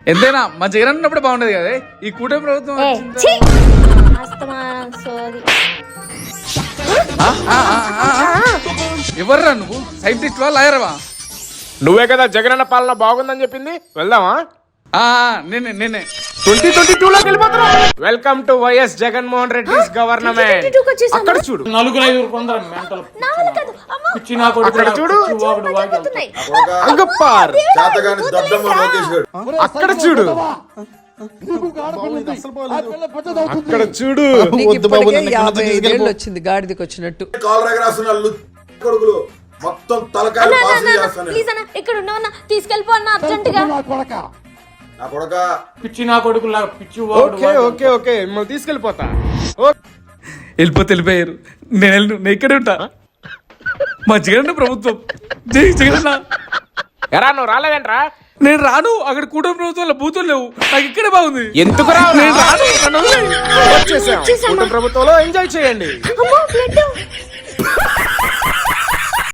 ఎంతైనా మా జగన్ ఉన్నప్పుడు బాగుండేది కదా ఈ కూటమి ప్రభుత్వం ఎవర్రా నువ్వు సైంటిస్ట్ వా లాయర్వా? నువ్వే కదా జగనన్న పాలన బాగుందని చెప్పింది, వెళ్దామా? నేనే 2022లోకి వెళ్ళిపోతున్నాం. Welcome to YS Jaganmohan Reddy government. అక్కడ చూడు, అక్కడ చూడు, అక్కడ చూడు, అక్కడ చూడు. వచ్చింది గాడిదకి వచ్చినట్టు. మొత్తం తలకాయలు ఇక్కడ ఉన్నావన్నా తీసుకెళ్ళిపో అన్న అర్జెంట్ గా. నా కొడక పిచ్చి నా కొడుకు పిచ్చి. ఓకే ఓకే ఓకే మిమ్మల్ని తీసుకెళ్ళిపోతా. వెళ్ళిపోయారు. నేను ఇక్కడే ఉంటా. మా జగన్ ప్రభుత్వం జై జగన్. ఎరా నువ్వు రాలేదంట్రా? నేను రాను. అక్కడ కూటమి ప్రభుత్వంలో బూతులు లేవు. నాకు ఇక్కడే బాగుంది. ఎందుకు రాను? వచ్చేసాం. కూటమి ప్రభుత్వంలో ఎంజాయ్ చేయండి.